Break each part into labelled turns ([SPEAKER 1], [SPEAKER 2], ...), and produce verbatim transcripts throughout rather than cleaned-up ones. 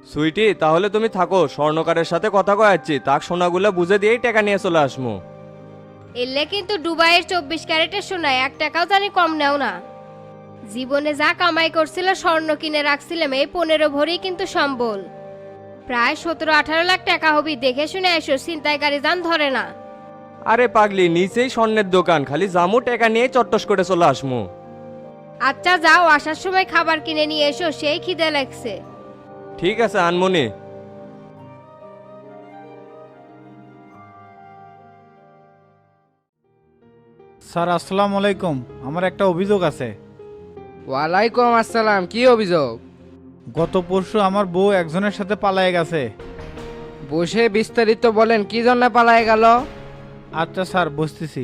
[SPEAKER 1] সুইটি, তাহলে তুমি থাকো, স্বর্ণকারের সাথে কথা কয়াচ্ছি, তাক সোনাগুলো বুঝে দিয়েই টাকা নিয়ে চলে আসমু।
[SPEAKER 2] এলে কিন্তু দুবাইয়ের চব্বিশ ক্যারেটের সোনায় এক টাকাও জানি কম নেও না। জীবনে যা কামাই করছিল স্বর্ণ কিনে রাখছিলাম, এই পনেরো ভরি কিন্তু সম্বল। প্রায় সতেরো আঠারো লাখ টাকা হবি, দেখে শুনে এসো, ছিনতাই গাড়ি যান ধরে না।
[SPEAKER 1] আরে পাগলি, নিচেই স্বর্ণের দোকান, খালি জামু টাকা নিয়ে চট্টস করে চলে আসমু।
[SPEAKER 2] আচ্ছা যাও, আসার সময় খাবার কিনে নিয়ে এসো, সেই খিদে লাগছে।
[SPEAKER 1] ঠিক আছে আনমনি।
[SPEAKER 3] স্যার আসসালামু আলাইকুম, আমার একটা অভিযোগ আছে।
[SPEAKER 4] ওয়ালাইকুম আসসালাম, কি অভিযোগ?
[SPEAKER 3] গত পরশু আমার বউ একজনের সাথে পালায়ে গেছে।
[SPEAKER 4] বসে বিস্তারিত বলেন, কি জন্য পালায় গেল?
[SPEAKER 3] আচ্ছা স্যার, বসতেছি।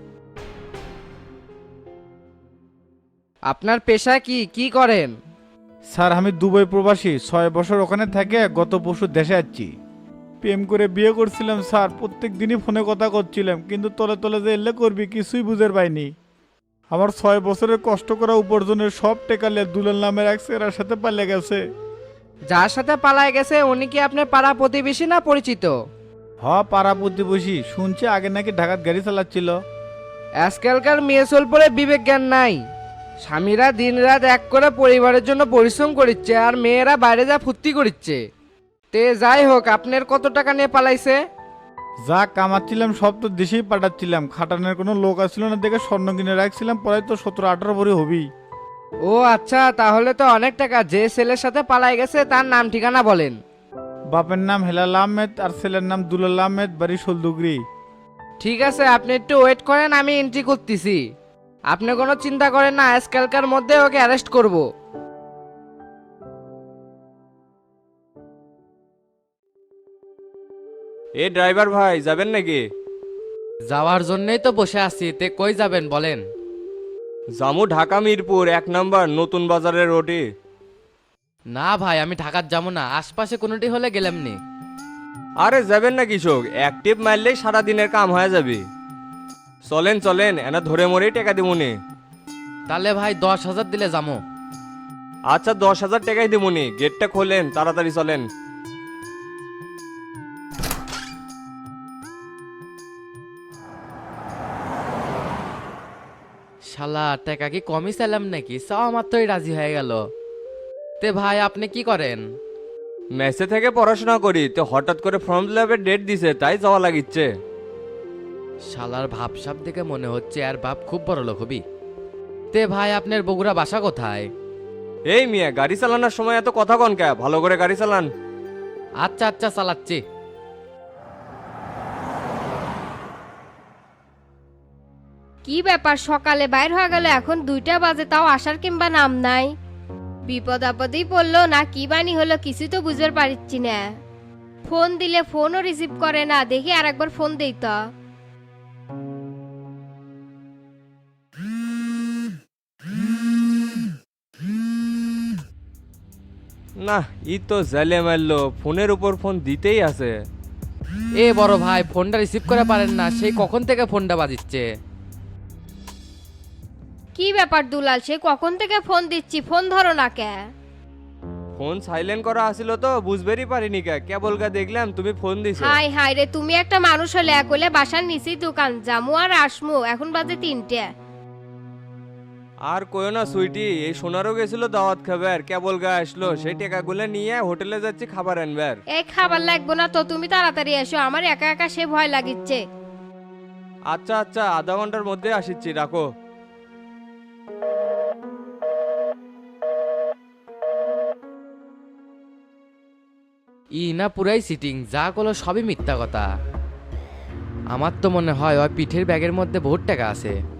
[SPEAKER 4] আপনার পেশা কি, কি করেন?
[SPEAKER 3] স্যার আমি দুবাই প্রবাসী, ছয় বছর ওখানে থেকে গত পরশু দেশে যাচ্ছি। প্রেম করে বিয়ে করছিলাম স্যার, প্রত্যেক দিনই ফোনে কথা করছিলাম, কিন্তু তলে তলে যে এলে করবি কিছুই বুঝের পাইনি। আমার ছয় বছরের কষ্ট করা উপার্জনের সব টেকালে দুলাল নামের এক ছেলের সাথে পালিয়ে গেছে।
[SPEAKER 4] যার সাথে পালায় গেছে উনি কি আপনার পাড়া প্রতিবেশী না পরিচিত?
[SPEAKER 3] হ, পাড়া প্রতিবেশী, শুনছি আগে নাকি ঢাকাত গাড়ি চালাচ্ছিল।
[SPEAKER 4] আজকালকার মেয়ে সোল পরে বিবেক জ্ঞান নাই। স্বামীরা দিনরাত এক করে পরিবারের জন্য পরিশ্রম করিচ্ছে, আর মেয়েরা বাইরে যা ফুর্তি করিচ্ছে। তে যাই হোক, আপনার কত টাকা নিয়ে পালাইছে?
[SPEAKER 3] যা কামাচ্ছিলাম সব তো দেশেই পাঠাচ্ছিলাম, খাটানোর কোনো লোক আসছিল না দেখে স্বর্ণ কিনে রাখছিলাম, পরে তো সতেরো আঠারো ভরি হবি।
[SPEAKER 4] ও আচ্ছা, তাহলে তো অনেক টাকা। যে ছেলের সাথে পালাই গেছে তার নাম ঠিকানা বলেন।
[SPEAKER 3] বাপের নাম হেলাল আহমেদ আর ছেলের নাম দুলাল আহমেদ, বাড়ি শোলদুগরি।
[SPEAKER 4] ঠিক আছে, আপনি একটু ওয়েট করেন, আমি এন্ট্রি করতেছি। আপনি কোনো চিন্তা করেন না, আজকালকার মধ্যে ওকে অ্যারেস্ট করব।
[SPEAKER 1] এ ড্রাইভার ভাই, যাবেন নাকি?
[SPEAKER 5] যাওয়ার জন্যই তো বসে আছি, তে কই যাবেন বলেন?
[SPEAKER 1] জামু ঢাকা মিরপুর এক নাম্বার নতুন বাজারের রোডে।
[SPEAKER 5] না ভাই, আমি ঢাকার যাবো না, আশপাশে কোনোটি হলে গেলামনি।
[SPEAKER 1] আরে যাবেন না কৃষক, এক টিপ মারলেই সারা দিনের কাম হয়ে যাবে। চলেন চলেন, এনা ধরে মরেই টাকা দিবনি।
[SPEAKER 5] তাহলে ভাই দশ হাজার দিলে যাবো।
[SPEAKER 1] আচ্ছা দশ হাজার টাকাই দিবনি, গেটটা খোলেন, তাড়াতাড়ি চলেন।
[SPEAKER 5] শালা, টাকা কি কমই চাইলাম নাকি? চাওয়া মাত্রই রাজি হয়ে গেল। তে ভাই আপনি কি করেন?
[SPEAKER 1] মেসে থেকে পড়াশোনা করি, তো হঠাৎ করে ফর্ম ফিল আপের ডেট দিছে, তাই যাওয়া লাগিচ্ছে।
[SPEAKER 5] শালার ভাবসাব দেখে মনে হচ্ছে আর বাপ খুব বড় লোক হবি। তে ভাই আপনার বগুড়া বাসা কোথায়?
[SPEAKER 1] এই মিয়া, গাড়ি চালানোর সময় এত কথা কন কে? ভালো করে গাড়ি চালান।
[SPEAKER 5] আচ্ছা আচ্ছা, চালাচ্ছি।
[SPEAKER 2] কি ব্যাপার, সকালে বাইর হয়ে গেল, এখন দুইটা বাজে, তাও আসার কিংবা নাম নাই। বিপদ আপদেই পড়লো না কি বানি হলো, কিছু তো বুঝতে পারছি না। ফোন দিলে ফোনও রিসিভ করে না, দেখি আর একবার ফোন দেই তো।
[SPEAKER 1] না, ই তো জালে মারলো, ফোনের উপর ফোন দিতেই আছে।
[SPEAKER 5] এ বড় ভাই, ফোনটা রিসিভ করে পারেন না? সেই কখন থেকে ফোনটা বাজিচ্ছে।
[SPEAKER 2] কি ব্যাপার দুলাল, সে কখন থেকে ফোন দিচ্ছি, ফোন ধরো না কে?
[SPEAKER 1] ফোন সাইলেন্ট করা আছিল তো বুঝবেরই পারিনি কে, কেবল গা দেখলাম তুমি ফোন দিছো।
[SPEAKER 2] হাই হাই রে, তুমি একটা মানুষ হলে একলে বাসার নিচেই দোকান, জামু আর আসমু, এখন বাজে তিনটে।
[SPEAKER 1] আর কইও না সুইটি, এই সোনারও গেছিল দাওয়াত খাবার, কেবল গা আসলো, সেই টাকাগুলো নিয়ে হোটেলে যাচ্ছি খাবার আনবার।
[SPEAKER 2] এই খাবার লাগবো না তো, তুমি তাড়াতাড়ি এসো, আমার একা একা সে ভয় লাগিচ্ছে।
[SPEAKER 1] আচ্ছা আচ্ছা, আধা ঘন্টার মধ্যে আসিচ্ছি, রাখো।
[SPEAKER 5] ই না পুরাই সিটিং, যা করলো সবই মিথ্যা কথা। আমার তো মনে হয় ওই পিঠের ব্যাগের মধ্যে বহুত টাকা আছে।